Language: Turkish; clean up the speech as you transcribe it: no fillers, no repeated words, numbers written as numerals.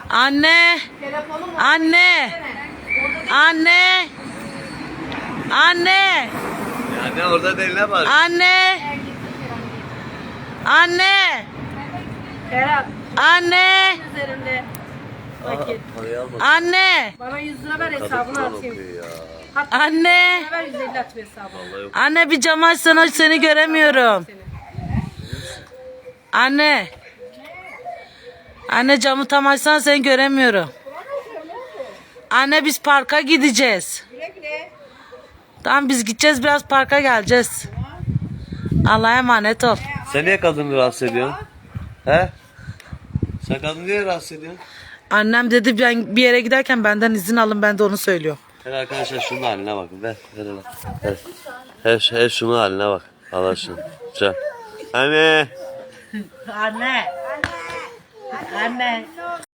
Anne. Anne. Anne. Anne. Yani orada değil ne var? Anne. Anne. Ferhat. Anne. Üzerinde vakit. Parayı alma. Anne. Bana 100 lira ver hesabını Kadın atayım. okuyor ya. Hatta Anne. 100 lira ver 150 at hesabını. Vallahi yok. Anne bir cam açsana, seni göremiyorum. Anne. Anne camı tam açsana, seni göremiyorum. Anne biz parka gideceğiz. Tamam biz gideceğiz, biraz parka geleceğiz. Allah'a emanet ol. Sen niye kadını rahatsız ediyorsun? He? Sen kadını niye rahatsız ediyorsun? Annem dedi ben bir yere giderken benden izin alın, ben de onu söylüyorum. Her arkadaşlar şunun haline bakın. Ver hele. Her şunun haline bak. Allah şunu. Güzel. Anne. Anne. Anne.